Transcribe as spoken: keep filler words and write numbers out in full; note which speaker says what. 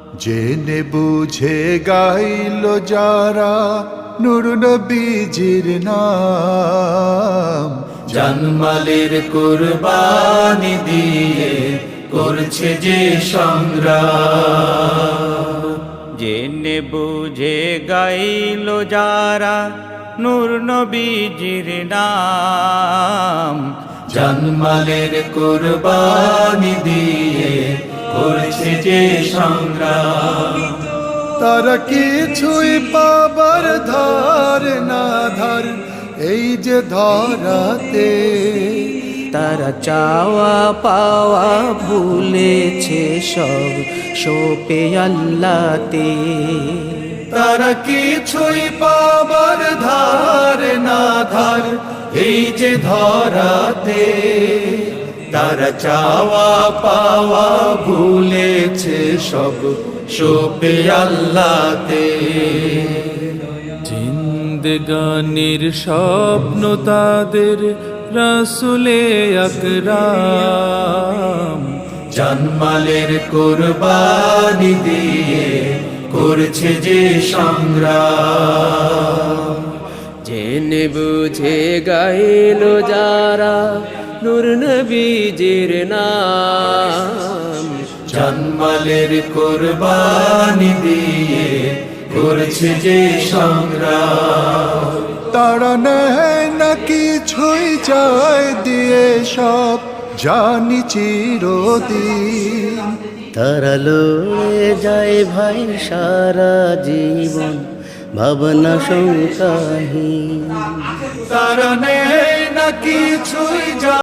Speaker 1: জেনে বুঝে গাইল যারা নূর নবীজির নাম,
Speaker 2: জানমালের কুরবানি দিয়ে করছে যে সংগ্রাম।
Speaker 3: জেনে বুঝে গাইল যারা নূর নবীজির নাম,
Speaker 2: জানমালের কুরবানি দিয়ে করছে যে সংগ্রাম।
Speaker 1: তারা কিছুই পাবার ধার না ধার এই যে ধরাতে,
Speaker 4: তারা চাওয়া পাওয়া ভুলেছে সব সোপে আল্লাহতে।
Speaker 2: তারা কিছুই পাবার ধার না ধার এই যে ধরাতে, তারা চাওয়া পাওয়া ভুলেছে সব সোপে আল্লাহতে।
Speaker 5: জিন্দেগানির স্বপ্ন তাদের রাসূলে আকরাম,
Speaker 2: জানমালের কুরবানি দিয়ে করছে যে সংগ্রাম।
Speaker 4: জেনে বুঝে গাইল যারা নূর নবীজির নাম,
Speaker 2: জানমালের কুরবানি দিয়ে করছে যে সংগ্রাম।
Speaker 1: তারা নেয় না কিছুই চায় দিয়ে সব জানি চিরদিন,
Speaker 4: তারা লড়ে যায় ভাই সারা জীবন ভাবনা শঙ্কাহীন।
Speaker 2: তারা নেয় না কিছুই